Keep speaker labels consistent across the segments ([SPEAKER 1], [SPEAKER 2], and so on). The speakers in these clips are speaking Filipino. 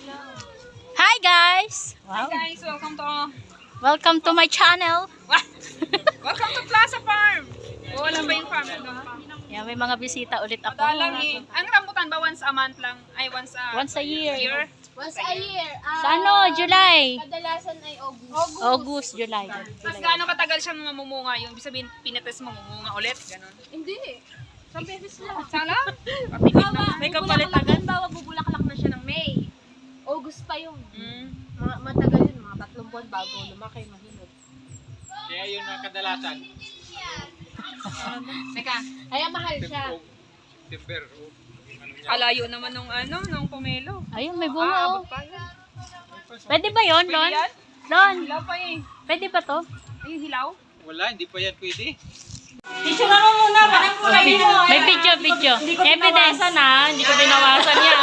[SPEAKER 1] Hi guys!
[SPEAKER 2] Hi
[SPEAKER 1] Wow.
[SPEAKER 2] guys,
[SPEAKER 1] Welcome to my channel.
[SPEAKER 2] welcome to Plaza Farm. Wala pa yung farm doon.
[SPEAKER 1] Yan, may mga bisita ulit ako.
[SPEAKER 2] Madalang eh. Ang rambutan ba once a month lang? Ay, once
[SPEAKER 1] Once a year.
[SPEAKER 3] Once a year.
[SPEAKER 1] Sa ano? July.
[SPEAKER 3] Kadalasan ay August.
[SPEAKER 1] August, July.
[SPEAKER 2] Tapos gaano katagal siyang mamumunga? Yung ibig sabihin, pinates mamumunga ulit? Ganon.
[SPEAKER 3] Hindi. Sa beses lang.
[SPEAKER 2] Sana?
[SPEAKER 3] May kapalit agad. Bawa bubulaklak na siya ng May. August pa yun. Matagal yun. Mga 3 buwan bago lumaki, mahinog.
[SPEAKER 4] Kaya yun ang kadalasan.
[SPEAKER 2] Teka,
[SPEAKER 3] Kaya mahal siya.
[SPEAKER 4] Timber.
[SPEAKER 2] alayo naman nung pomelo.
[SPEAKER 1] Ayun, may bunga oh.
[SPEAKER 2] Abot pa yun.
[SPEAKER 1] Pwede ba yun,
[SPEAKER 2] Pwede
[SPEAKER 1] Lon?
[SPEAKER 2] yan?
[SPEAKER 1] Lon,
[SPEAKER 2] Hilaw pa eh.
[SPEAKER 1] pwede ba to?
[SPEAKER 2] Ay, hilaw?
[SPEAKER 4] Wala, hindi pa yan pwede.
[SPEAKER 1] May video. Evidence na, hindi ko binawasan yan.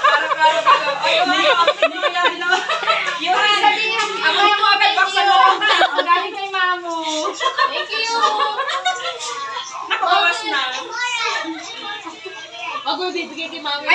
[SPEAKER 2] Yung sabihin, ako yung mga bedbox sa loob. Ang galing kay Mamo.
[SPEAKER 3] Thank you!
[SPEAKER 2] Nakabawas na.
[SPEAKER 3] Wag mo bibigay kay Mami.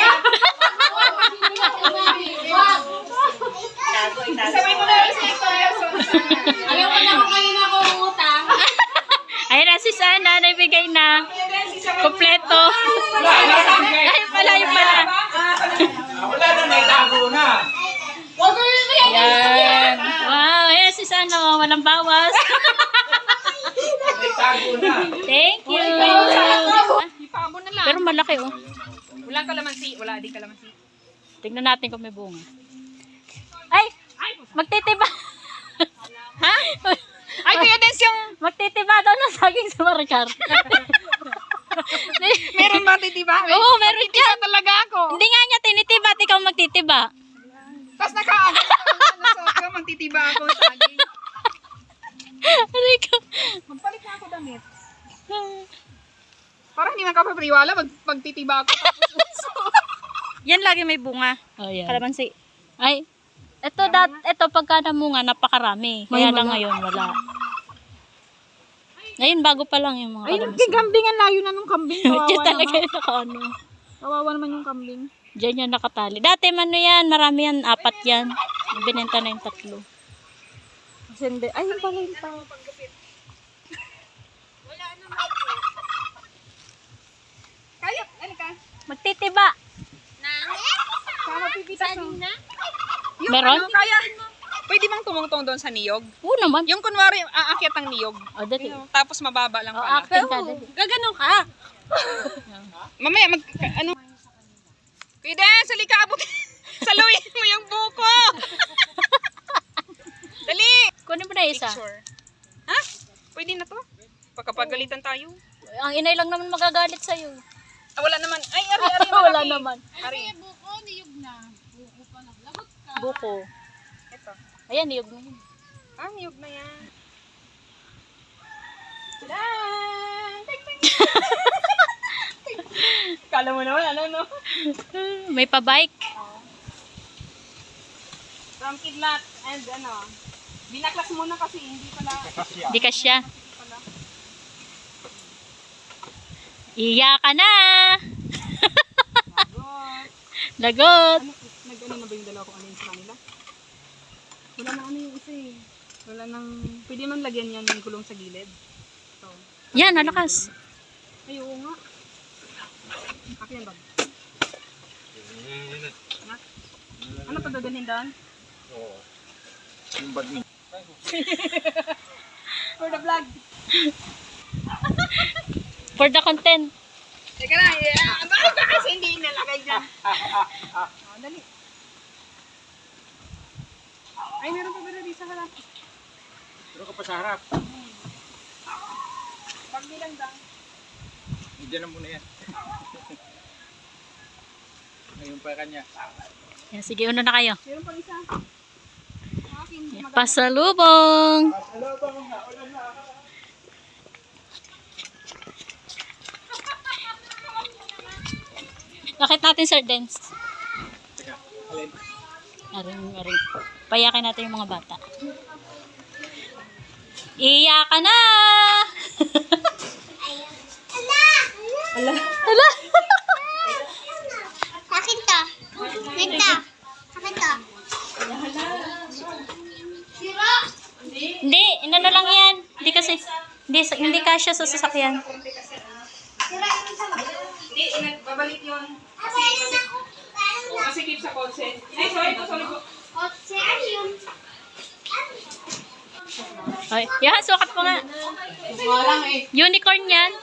[SPEAKER 2] Sabay mo na rin sa experience.
[SPEAKER 3] Alam mo na kung kanina ako umutang.
[SPEAKER 1] Ayun na si Sana, naibigay na. Kompleto. Ayun pala.
[SPEAKER 4] Wala na, naitago na.
[SPEAKER 3] Wag mo bibigay kay
[SPEAKER 1] Yan. Wow, ayun si Sana, walang bawas.
[SPEAKER 4] Naitago na.
[SPEAKER 1] Thank you.
[SPEAKER 2] Ipabo na lang.
[SPEAKER 1] Pero malaki oh.
[SPEAKER 2] Walang kalamansi. Wala, di kalamansi.
[SPEAKER 1] Tingnan natin kung may bunga. Ay! Magtitiba!
[SPEAKER 2] Ha? Ay, kuya Dens yung...
[SPEAKER 1] Magtitiba daw ng saging sa Maricar.
[SPEAKER 2] Meron ba titiba?
[SPEAKER 1] Oo, meron dyan.
[SPEAKER 2] Talaga ako.
[SPEAKER 1] Hindi nga niya tinitiba, at ikaw magtitiba.
[SPEAKER 2] Tapos naka-ano magtitiba ako sa aging.
[SPEAKER 1] Rico.
[SPEAKER 2] Magpalit na ako damit. Parang hindi man kapapriwala magtitiba ako.
[SPEAKER 1] Yan lagi may bunga. Oh, yan. Kalamansi. Ay, ito pagka namunga, napakarami. Kaya lang ngayon, wala. Ngayon, bago pa lang yung mga kalamansi.
[SPEAKER 2] kambing ang layo na nung kambing.
[SPEAKER 1] Diyan talaga yung nakaano.
[SPEAKER 2] Kawawa naman yung kambing.
[SPEAKER 1] Diyan yan nakatali. Dati man yan, marami yan, 4 yan. Binenta na yung 3.
[SPEAKER 2] Sende. Ay, yung pala yung tao. Kaya, ano ka?
[SPEAKER 1] Magtitiba.
[SPEAKER 2] Sama pipita sa... Yung
[SPEAKER 1] Meron?
[SPEAKER 2] ano, kaya, pwede bang tumungtong doon sa niyog?
[SPEAKER 1] Oo naman.
[SPEAKER 2] Yung kunwari, aakyat ang niyog.
[SPEAKER 1] O, dati.
[SPEAKER 2] Tapos mababa lang
[SPEAKER 1] O,
[SPEAKER 2] pala.
[SPEAKER 1] acting ka. Dati.
[SPEAKER 3] Gaganon ka.
[SPEAKER 2] Mamaya, ano? Pwede, sali ka, abot. Saluin mo yung buko. Dali.
[SPEAKER 1] Kunin mo na isa.
[SPEAKER 2] Picture. Ha? Pwede na to? Pagkapagalitan tayo.
[SPEAKER 1] Ang inay lang naman magagalit sa'yo.
[SPEAKER 2] Ah, wala naman. Ay, ari,
[SPEAKER 1] Wala
[SPEAKER 2] malaki.
[SPEAKER 1] naman.
[SPEAKER 2] Ari.
[SPEAKER 3] Buko, niyog na. Buko pa lang. Lagot ka.
[SPEAKER 1] Buko.
[SPEAKER 2] Ito.
[SPEAKER 1] Ayan, niyog na yun.
[SPEAKER 2] Ah, niyog na yan. Tadaan! Kala mo naman, ano, no?
[SPEAKER 1] May pa-bike.
[SPEAKER 2] From Kidlat and ano, binaklas muna kasi hindi pala.
[SPEAKER 1] Di ka siya. Iya ka na! Lagot!
[SPEAKER 2] Nag-ano na ba yung dalawa kung ano yung sa kanila? Wala na ano yung isa eh. Wala nang, pwede man lagyan yan ng gulong sa gilid. So,
[SPEAKER 1] Yan, nalakas.
[SPEAKER 2] ay oo nga. Akin ba? Ano pa dadalhin doon?
[SPEAKER 4] Oo. Yung bag niya.
[SPEAKER 2] For the vlog.
[SPEAKER 1] For the content.
[SPEAKER 2] Teka na, bakit ka kasi hindi nalagay dyan? Dali. Ay, meron pa ba na sa harap?
[SPEAKER 4] Pero ka pa sa harap.
[SPEAKER 2] Pag bilang dang.
[SPEAKER 4] Diyan na muna yan. Ngayon pa kanya.
[SPEAKER 1] Yan, sige, una na kayo.
[SPEAKER 2] Meron pang isa. Akin,
[SPEAKER 1] Pasalubong! Bakit natin, Sir Dance?
[SPEAKER 4] Teka, alin?
[SPEAKER 1] Aring. Payakin natin yung mga bata. Iyak ka na! Ala!
[SPEAKER 3] Akin to. Nagta.
[SPEAKER 1] Hindi, inano lang yan. Hindi kasi, hindi kasya sa sasakyan.
[SPEAKER 2] Hindi, babalik yun. Kasi keep sa kotse. Ay, sorry po.
[SPEAKER 1] Ay, yan, sukat mo nga.
[SPEAKER 2] Walang eh.
[SPEAKER 1] Unicorn yan.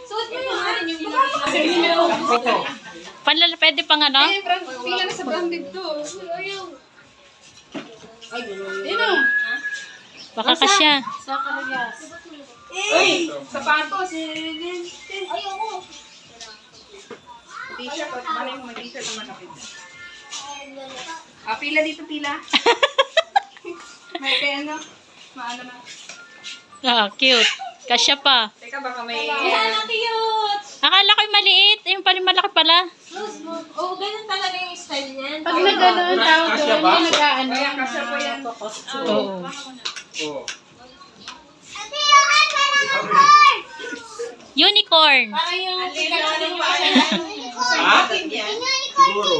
[SPEAKER 1] Pwede pang ano?
[SPEAKER 2] Ay, pila na sa branded to. Dino.
[SPEAKER 1] Baka kasya.
[SPEAKER 2] Ay, sapatos. T-shirt. Malay mo, may t-shirt naman ako. Pila dito, pila. May kaya ano? Maano na.
[SPEAKER 1] Ah, cute. Kasya pa.
[SPEAKER 2] Teka, baka may...
[SPEAKER 1] Akala ko'y maliit. Yung pala malaki pala.
[SPEAKER 3] Oh, ganun talaga yung style niyan.
[SPEAKER 2] Pag nagano'n tawag
[SPEAKER 4] Kasya ba?
[SPEAKER 2] nag-aano. Kaya kasya pa yan.
[SPEAKER 1] Oo.
[SPEAKER 4] Oo.
[SPEAKER 1] Unicorn.
[SPEAKER 4] Ha? Siguro.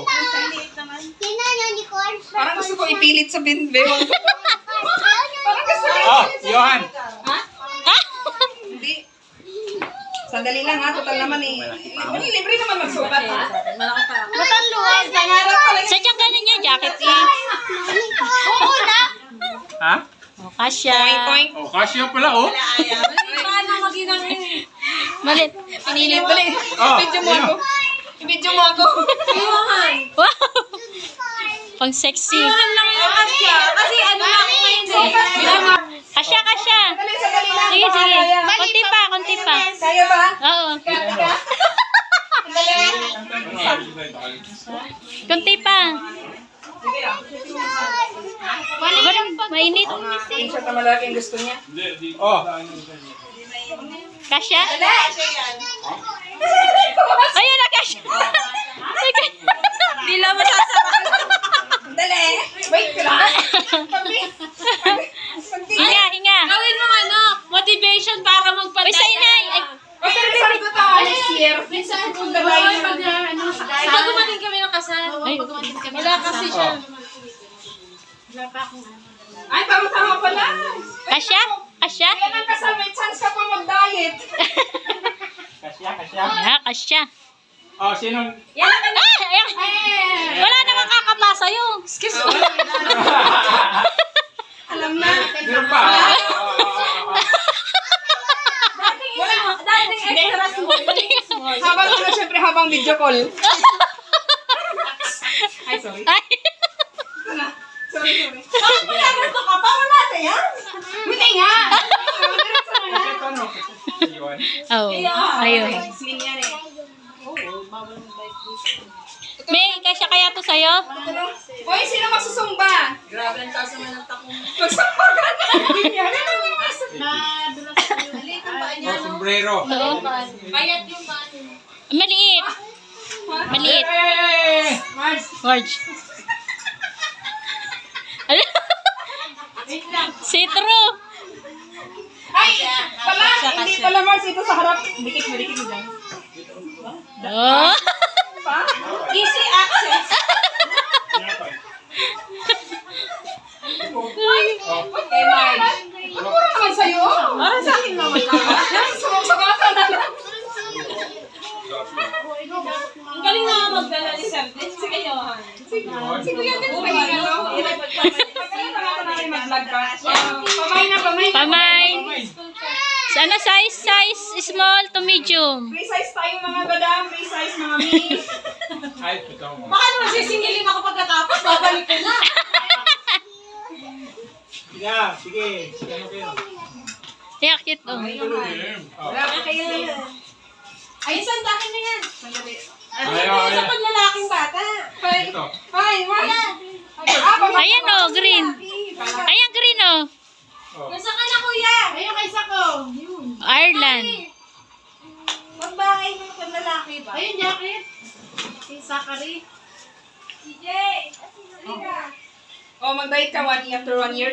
[SPEAKER 2] Parang gusto ko ipilit sa binbe. Parang gusto ko.
[SPEAKER 4] Oh, Johan.
[SPEAKER 2] Hindi. Sandali lang ha, total naman eh. Libre naman magsukat ha.
[SPEAKER 1] Sadyang ganun yung jacket eh.
[SPEAKER 4] Ha?
[SPEAKER 1] Oh, kasya.
[SPEAKER 2] Point.
[SPEAKER 4] Oh, kasya pala, oh.
[SPEAKER 1] Malit.
[SPEAKER 2] Pinili mo eh.
[SPEAKER 4] Oh,
[SPEAKER 2] Ibidyo mo ako. Ibidyo mo ako.
[SPEAKER 1] Wow. Pang sexy.
[SPEAKER 3] Kasi ano na ako ngayon eh.
[SPEAKER 1] Kasya, kasya.
[SPEAKER 2] Sandali lang.
[SPEAKER 1] Sige, sige. Konti pa, konti pa.
[SPEAKER 2] Kaya ba?
[SPEAKER 1] Oo. Konti pa. Wala, mainit.
[SPEAKER 2] T-shirt na malaki ang gusto niya.
[SPEAKER 4] Oh.
[SPEAKER 1] Kasya? Ayun na, kasya.
[SPEAKER 3] Hindi lang masasarap.
[SPEAKER 2] Sandali. Wait ka lang.
[SPEAKER 1] Hinga, hinga.
[SPEAKER 3] Gawin mo ano, motivation para magpatay.
[SPEAKER 1] Uy, sa inay. Ay,
[SPEAKER 2] Ay, sabi ko tayo next year. Kung gabay
[SPEAKER 3] Pag gumating kami ng kasal. Wala kasi siya.
[SPEAKER 2] Ay, tama pala.
[SPEAKER 1] kasya? Kasya?
[SPEAKER 2] Yan ang kasal, may chance ka pa mag-diet.
[SPEAKER 4] Kasya, kasya.
[SPEAKER 1] Ah, kasya.
[SPEAKER 4] Oh, sinong...
[SPEAKER 1] Ayan. Wala namang kakapasa yung. Excuse me.
[SPEAKER 2] Alam na.
[SPEAKER 4] Meron pa.
[SPEAKER 3] Dating extra small.
[SPEAKER 2] Habang ano, syempre habang video call. Ay, sorry.
[SPEAKER 1] Ay.
[SPEAKER 2] Sorry.
[SPEAKER 3] Ito ka pa, wala na yan.
[SPEAKER 2] Hindi nga.
[SPEAKER 4] Kasi ito, no? Johan.
[SPEAKER 1] Oh, ayun.
[SPEAKER 2] Slim yan eh.
[SPEAKER 1] May kasya kaya to sa'yo?
[SPEAKER 2] Hoy, sino magsusumba?
[SPEAKER 3] Grabe ang taas naman ng takong.
[SPEAKER 2] Magsumba ka na.
[SPEAKER 4] Oh, sombrero.
[SPEAKER 1] Oo.
[SPEAKER 3] Bayat yung bano.
[SPEAKER 1] Maliit. Maliit.
[SPEAKER 4] Hey!
[SPEAKER 1] Marge. Ano? See-through.
[SPEAKER 2] Ay, pala, hindi pala Mars ito sa harap. Dikit mo dyan.
[SPEAKER 1] Oh.
[SPEAKER 2] Pa?
[SPEAKER 3] Easy access.
[SPEAKER 2] Okay, Marge. Ano puro naman sa'yo? Para sa akin naman ka. Sumusugatan na lang.
[SPEAKER 3] Ang galing na magdala ni Serdes. Sige, Johan.
[SPEAKER 2] Si Kuya din sa kanya, no? Mag-vlog ka. Pamay na, pamay.
[SPEAKER 1] Pamay. Ano size small to medium.
[SPEAKER 2] Free size tayo mga badam, free size mga mini.
[SPEAKER 4] Ay, ito mo.
[SPEAKER 3] Baka naman sisingilin ako pagkatapos. Babalik ko na.
[SPEAKER 4] Sige. Sige, ano kayo?
[SPEAKER 1] Yeah, cute oh.
[SPEAKER 2] Wala ka kayo na.
[SPEAKER 3] Ay, saan akin na yan?
[SPEAKER 4] Ayaw.
[SPEAKER 3] Sa panlalaking bata.
[SPEAKER 4] Ito.
[SPEAKER 2] Ay, wala.
[SPEAKER 1] Ayan oh, green. Ayan green oh.
[SPEAKER 3] Nasa ka na, kuya?
[SPEAKER 2] Ayun kay Sako.
[SPEAKER 1] Ireland.
[SPEAKER 3] Magbahay ng panlalaki ba?
[SPEAKER 2] Ayun, jacket. Si Sakari.
[SPEAKER 3] CJ!
[SPEAKER 2] Oh, mag-diet ka after 1 year.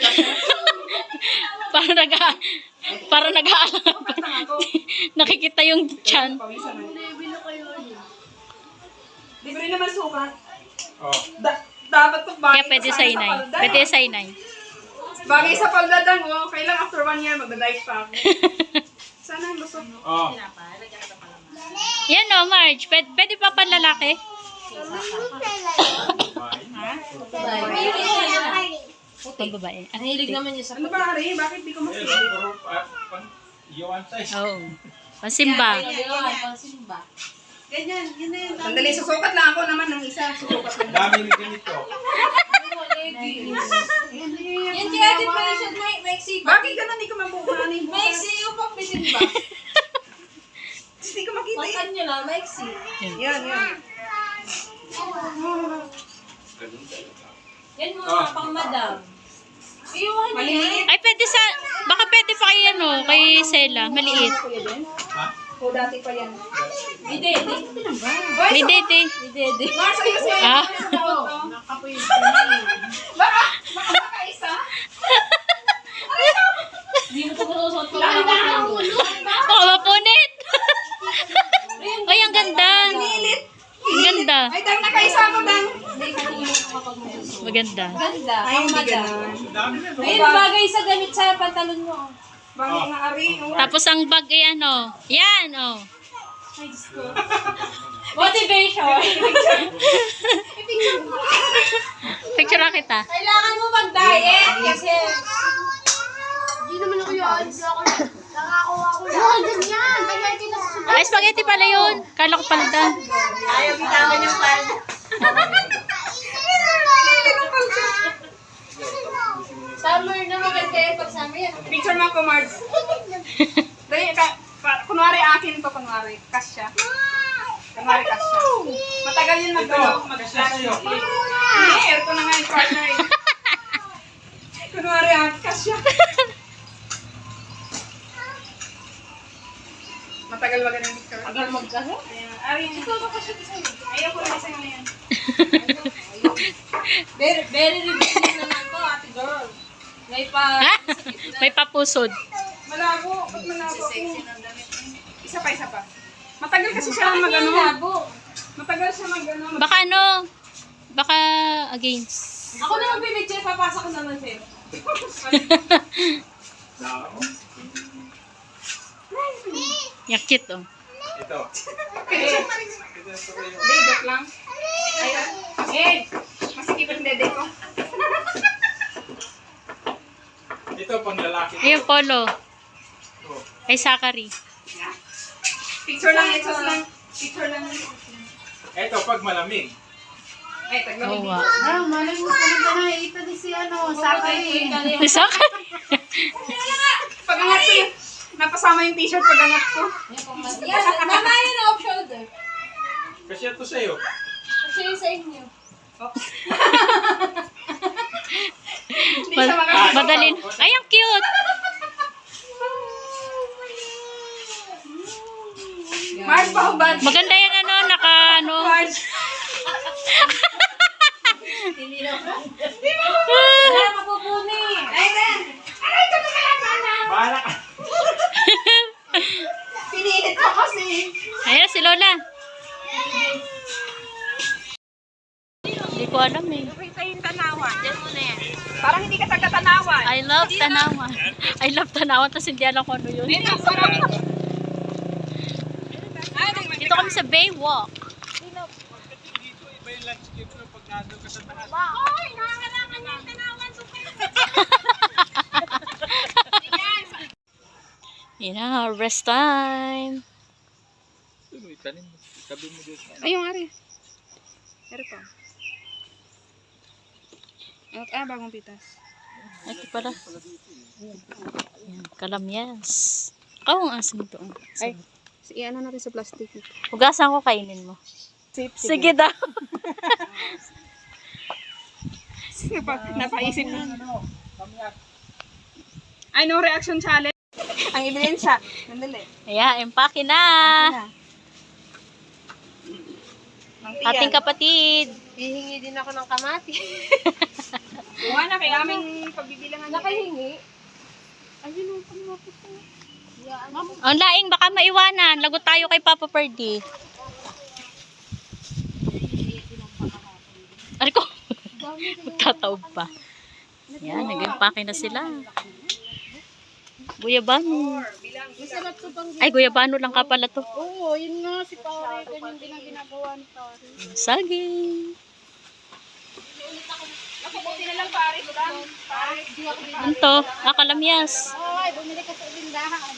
[SPEAKER 1] Para nag-aalam. Nakikita yung chan.
[SPEAKER 2] Libre naman sukat.
[SPEAKER 4] Oh.
[SPEAKER 2] Dapat to bagay
[SPEAKER 1] Kaya pwede
[SPEAKER 2] to
[SPEAKER 1] sa
[SPEAKER 2] sana
[SPEAKER 1] inay.
[SPEAKER 2] palda.
[SPEAKER 1] Pwede sa inay.
[SPEAKER 2] Bagay sa paldadan, oh. Kailang after 1 year, magdadive pa ako. Sana ang gusto.
[SPEAKER 4] Oh.
[SPEAKER 1] Yan o, Marge. Pwede pa panlalaki? Pag babae.
[SPEAKER 3] Ang hilig naman niya sa
[SPEAKER 2] Ano ba, Ari? Bakit di ko
[SPEAKER 4] Eh,
[SPEAKER 2] makita?
[SPEAKER 4] puro, pang, iwan size.
[SPEAKER 1] Oo. Pansimba.
[SPEAKER 3] simba.
[SPEAKER 2] Ganyan, yun na yun. Sandali, susukat lang ako naman ng isa. Susukat lang.
[SPEAKER 4] Dami ni ganito.
[SPEAKER 3] Yan kaya din pala siya, Maxi.
[SPEAKER 2] Bakit ganun? Di ko mabukuhan eh.
[SPEAKER 3] Maxi, yung pang bitin ba?
[SPEAKER 2] Hindi ko makita eh.
[SPEAKER 3] Makan nyo lang, Maxi.
[SPEAKER 2] Yan, yan.
[SPEAKER 3] Yan mga pang madam. Iwan niya.
[SPEAKER 2] Maliliit.
[SPEAKER 1] Ay, pwede sa... Baka pwede pa kay, ano, kay Sela. Maliit.
[SPEAKER 2] Kuya din?
[SPEAKER 4] Ha?
[SPEAKER 2] O dati pa yan.
[SPEAKER 3] Hindi.
[SPEAKER 1] May date eh.
[SPEAKER 3] Hindi.
[SPEAKER 2] Mars, ayos yan.
[SPEAKER 1] Ah?
[SPEAKER 2] Baka makaisa.
[SPEAKER 3] Hindi mo ito masusot ko.
[SPEAKER 1] Baka mapunit. Ay, ang ganda.
[SPEAKER 2] Nilit.
[SPEAKER 1] Ang ganda.
[SPEAKER 2] Ay, dang nakaisa ako, dang.
[SPEAKER 1] Maganda.
[SPEAKER 3] Ganda.
[SPEAKER 2] Ay,
[SPEAKER 3] Pang
[SPEAKER 2] hindi
[SPEAKER 3] madam.
[SPEAKER 2] ganun.
[SPEAKER 4] Dami na.
[SPEAKER 3] Ayun, bagay sa damit sa pantalon mo.
[SPEAKER 2] Bagay nga, Ari. Oh.
[SPEAKER 1] Tapos ang bag ay ano. Yan, oh.
[SPEAKER 3] Motivation.
[SPEAKER 1] Picture na kita.
[SPEAKER 3] Kailangan mo mag-diet kasi... Hindi naman ako yun. Nakakuha ko lang. Ganyan. Kaya kinasusunod.
[SPEAKER 1] Ay, spaghetti pala yun. Kala ko palda.
[SPEAKER 3] Ayaw bitawan yung pan. Summer na maganda eh. Pag summer yan.
[SPEAKER 2] Picture mo ako, Mars. Dali, kunwari akin to, kunwari. Kasya. Kunwari kasya. Matagal yun
[SPEAKER 4] Kasya sa'yo.
[SPEAKER 2] Hindi, ito na nga yung partner eh. Kunwari akin, kasya. Matagal ba ganun picture?
[SPEAKER 3] Tagal magkano?
[SPEAKER 2] Ayan. Ari, ikaw ba kasya sa'yo? Ayaw ko na sa'yo na yan.
[SPEAKER 3] Very revealing naman to, ate girl. May pa...
[SPEAKER 1] Ha? May papusod.
[SPEAKER 2] Malabo. Ba't malabo ako? Isa pa, isa pa. Matagal kasi siya mag-ano.
[SPEAKER 3] Labo.
[SPEAKER 2] Matagal siya mag-ano.
[SPEAKER 1] Baka ano? Baka against.
[SPEAKER 3] Ako na magbibidyo, papasok ko naman sa'yo.
[SPEAKER 1] Yung cute, oh.
[SPEAKER 4] Ito.
[SPEAKER 2] Hindi, joke lang. Ayun. Eh, masikip ang dede ko.
[SPEAKER 4] Ito, pang lalaki.
[SPEAKER 1] Ayun, polo.
[SPEAKER 4] Oh.
[SPEAKER 1] Kay Zachary.
[SPEAKER 2] Picture lang, ito lang. Picture lang.
[SPEAKER 4] Ito, pag malamig.
[SPEAKER 2] Ay, taglamig.
[SPEAKER 1] Oo, nga.
[SPEAKER 3] Malay mo, talaga na ito ni si Sakay.
[SPEAKER 1] Kay Zachary.
[SPEAKER 2] Pagangat ko yun. Napasama yung t-shirt pagangat ko.
[SPEAKER 3] Yan, mama yun off shoulder.
[SPEAKER 4] Kasi ito sa'yo.
[SPEAKER 3] Kasi yun sa inyo.
[SPEAKER 2] Hindi siya makakita.
[SPEAKER 1] Madalin. Ay, ang cute.
[SPEAKER 2] Mars, pahubad.
[SPEAKER 1] Maganda yan, ano, naka, ano.
[SPEAKER 2] Mars.
[SPEAKER 3] Wala mapupuni.
[SPEAKER 2] Ay, Ben. Aray, ito na lang sana.
[SPEAKER 4] Bahala ka.
[SPEAKER 2] Pinilit ko kasi.
[SPEAKER 1] Ayan, si Lola. Hindi ko alam eh.
[SPEAKER 2] Parang hindi ka taga-tanawan.
[SPEAKER 1] I love Tanawan. I love Tanawan, tapos hindi alam ko ano yun. Dito kami sa Baywalk.
[SPEAKER 4] Iba yung landscape ng pag nandun ka sa taas.
[SPEAKER 1] Yan na, rest time.
[SPEAKER 4] Ito, itanim mo. Tabi mo dito.
[SPEAKER 2] Ayun, Ari. Pero pa. Bagong pitas.
[SPEAKER 1] Ito pala. Yan, kalamyas. Oh, ang asin ito.
[SPEAKER 2] Ay, i-ano natin sa plastic.
[SPEAKER 1] Hugasan ko, kainin mo. Sige daw.
[SPEAKER 2] Sige pa, napaisip na. Ay, no reaction challenge. Ang ebidensya. Nandali.
[SPEAKER 1] Ayan, empake na. Ating kapatid.
[SPEAKER 3] Hihingi din ako ng kamati.
[SPEAKER 2] Buha na kay aming pagbibilangan.
[SPEAKER 3] Nakahingi.
[SPEAKER 2] Ayun ang kamati ko.
[SPEAKER 1] Ang laing, baka maiwanan. Lagot tayo kay Papa Perdi. Ari ko. Magtataob pa. Yan, nag-impake na sila. Guyabano.
[SPEAKER 3] Masarap to pang
[SPEAKER 1] Ay, guyabano lang ka pala to.
[SPEAKER 3] Oo, yun nga si pare. Ganyan din ang ginagawa ni pare.
[SPEAKER 1] Saging.
[SPEAKER 2] Ako, buti na lang pare. Pare.
[SPEAKER 1] Ano to? Kalamyas.
[SPEAKER 3] Ay, bumili ka sa tindahan.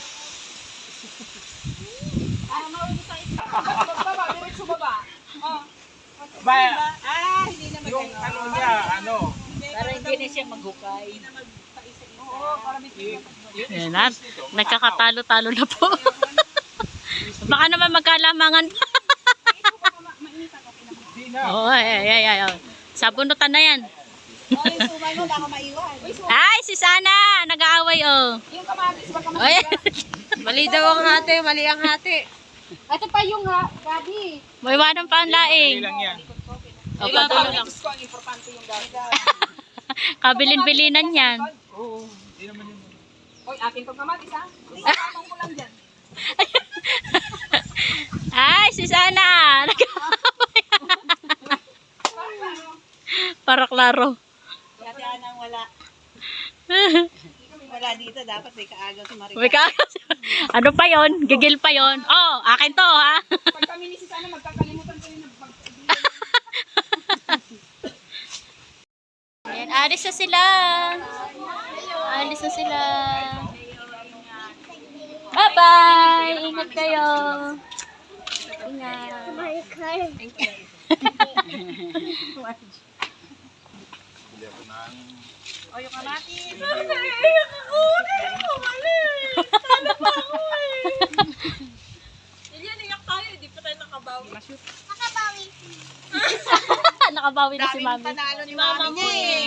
[SPEAKER 3] Para maubos sa ito.
[SPEAKER 2] Baba, diretso baba. Oh.
[SPEAKER 4] Ba,
[SPEAKER 2] Hindi na
[SPEAKER 4] yung ano niya, ano,
[SPEAKER 1] Para hindi na siya maghukay.
[SPEAKER 2] Oo, para may
[SPEAKER 1] Ayan na. Nagkakatalo-talo na po. Baka naman magkalamangan pa.
[SPEAKER 4] di na.
[SPEAKER 1] Oo, ay. Sabunutan na yan.
[SPEAKER 3] Oh, yung sumay mo, baka maiwan.
[SPEAKER 1] Ay, si Sana. Nag-aaway, oh.
[SPEAKER 2] Yung kamatis, baka
[SPEAKER 1] Ay.
[SPEAKER 3] Mali daw ang hati, mali ang hati. Ito pa yung gabi.
[SPEAKER 1] May iwanan pa ang
[SPEAKER 4] Dali
[SPEAKER 1] laing.
[SPEAKER 4] lang yan.
[SPEAKER 1] O,
[SPEAKER 2] Yung
[SPEAKER 1] patuloy lang.
[SPEAKER 2] kamatis ko, ang importante yung gabi.
[SPEAKER 1] Kabilin-bilinan yan.
[SPEAKER 4] Oo, di naman yun.
[SPEAKER 2] Hoy, akin tong kamatis ha. Isang ko lang dyan.
[SPEAKER 1] Ay, si Sana. Nag-aaway. Para klaro.
[SPEAKER 3] Dati anang wala. Wala dito, dapat may kaagaw si Marika.
[SPEAKER 1] May kakas. Ano pa yon? Gigil pa yon. Oh, akin to, ha?
[SPEAKER 2] Pag kami ni si Sana, magkakalimutan ko yung
[SPEAKER 1] Ayan, alis na sila. Alis na sila. Bye-bye! Ingat kayo. Ingat. Thank you.
[SPEAKER 2] O, yung kamatis.
[SPEAKER 1] Nakabawi na si Mami.
[SPEAKER 3] Panalo ni mami niya eh.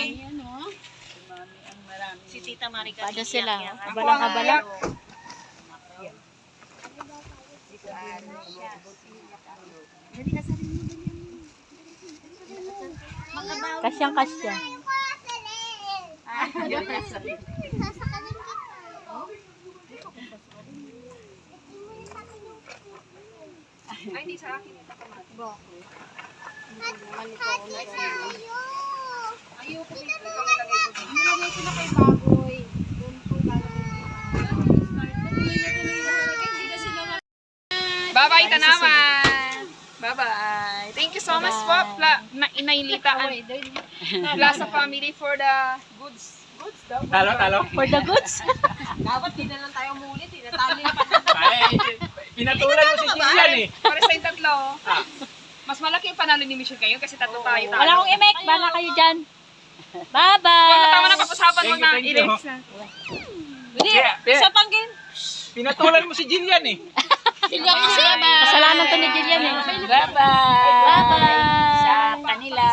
[SPEAKER 1] Si Tita Marika. Pada sila. Kabalang-kabala. Kasyang-kasya.
[SPEAKER 2] Ay, hindi sa akin yung kamatis. Ayoko dito. Ikaw nilagay ko dito.
[SPEAKER 3] Nilagay ko na kay Baboy. Doon po
[SPEAKER 2] Bye-bye, Tanaman! Bye-bye. Thank you so much po, Inaylita and Plaza family for the goods. Goods daw.
[SPEAKER 4] Talo.
[SPEAKER 1] For the goods.
[SPEAKER 3] Dapat di na lang tayo mulit. Tinatali pa.
[SPEAKER 4] Ay, pinatulan mo si Jillian eh.
[SPEAKER 2] Para sa yung tatlo. Mas malaki yung panalo ni Michelle kayo kasi tatlo tayo.
[SPEAKER 1] Wala akong imek. Bala kayo dyan.
[SPEAKER 2] Tama
[SPEAKER 1] Bye-bye.
[SPEAKER 2] na pag-usapan mo na.
[SPEAKER 4] Thank you.
[SPEAKER 2] I-rex na.
[SPEAKER 4] Isa pang game. Pinatulan mo si Jillian eh.
[SPEAKER 1] Kasalanan to ni Jillian eh.
[SPEAKER 3] Bye-bye.
[SPEAKER 1] Bye-bye.
[SPEAKER 3] Sa kanila.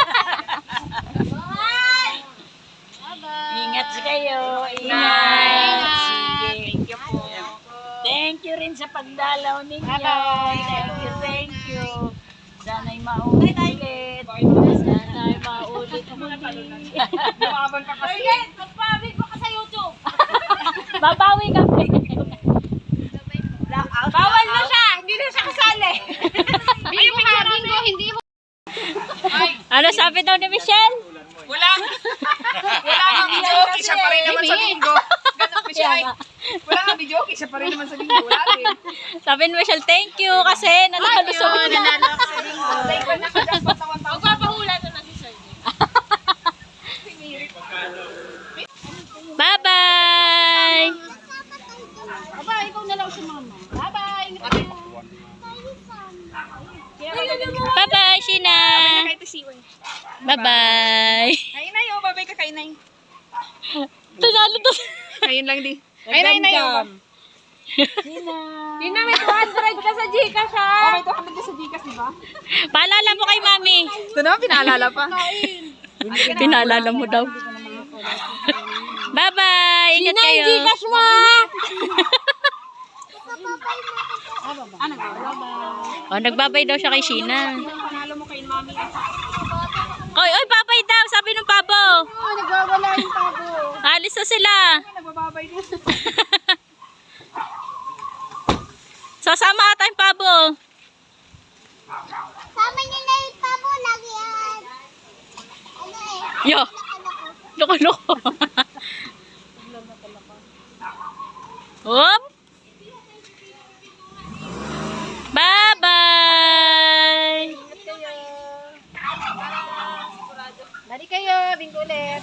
[SPEAKER 1] Ingat kayo.
[SPEAKER 2] Ingat.
[SPEAKER 1] Sige.
[SPEAKER 2] Thank you po.
[SPEAKER 1] Thank you rin sa pagdalaw ninyo.
[SPEAKER 3] Bye-bye.
[SPEAKER 1] Thank you. Sana'y maulit. Sana'y maulit.
[SPEAKER 2] Lumaban pa kasi.
[SPEAKER 3] Magpabig mo ka sa YouTube.
[SPEAKER 1] Babawi kami.
[SPEAKER 3] Bawal na siya. Hindi na siya kasali. Bingo ha, bingo. Hindi mo.
[SPEAKER 1] Ano sabi daw ni Michelle?
[SPEAKER 2] Wala nga video. Siya pa rin naman sa bingo. Ganun ko siya. Wala nga video. Siya pa rin naman sa bingo. Wala rin.
[SPEAKER 1] Sabi ni Michelle, thank you kasi nanalo sa una.
[SPEAKER 2] Like, wala ka dapat sa 1,000.
[SPEAKER 3] Magpapahula na lang si Sir.
[SPEAKER 1] Bye-bye!
[SPEAKER 3] Aba, ikaw na lang si mama. Bye-bye. Ingat ka.
[SPEAKER 1] Bye-bye, Sheena!
[SPEAKER 2] Kahit isiwan.
[SPEAKER 1] Bye-bye!
[SPEAKER 2] Kainay, oh. Babay ka, Kainay.
[SPEAKER 1] Tunalo to.
[SPEAKER 2] Ngayon lang di. Kainay, oh.
[SPEAKER 3] Yun na, may 200 ka sa Gcash ha.
[SPEAKER 2] Oh, may 200 ka sa Gcash, di ba?
[SPEAKER 1] Paalala mo kay Mami.
[SPEAKER 2] Ito naman, pinaalala pa.
[SPEAKER 1] Pinaalala mo daw. Bye-bye! Ingat kayo.
[SPEAKER 3] Gcash mo.
[SPEAKER 1] Oh, nagbabay daw siya kay Sheena.
[SPEAKER 2] Panalo mo kay Mami.
[SPEAKER 1] Oy, babay daw, sabi ng pabo.
[SPEAKER 3] Oh, nagwawala yung pabo.
[SPEAKER 1] Alis na sila.
[SPEAKER 2] Nagbababay din.
[SPEAKER 1] Sasama ka tayong pabo.
[SPEAKER 5] Sama niyo na yung pabo lagi yan.
[SPEAKER 1] Yo. Loko-loko. Hop. Bye-bye.
[SPEAKER 3] Bali kayo, bingo ulit.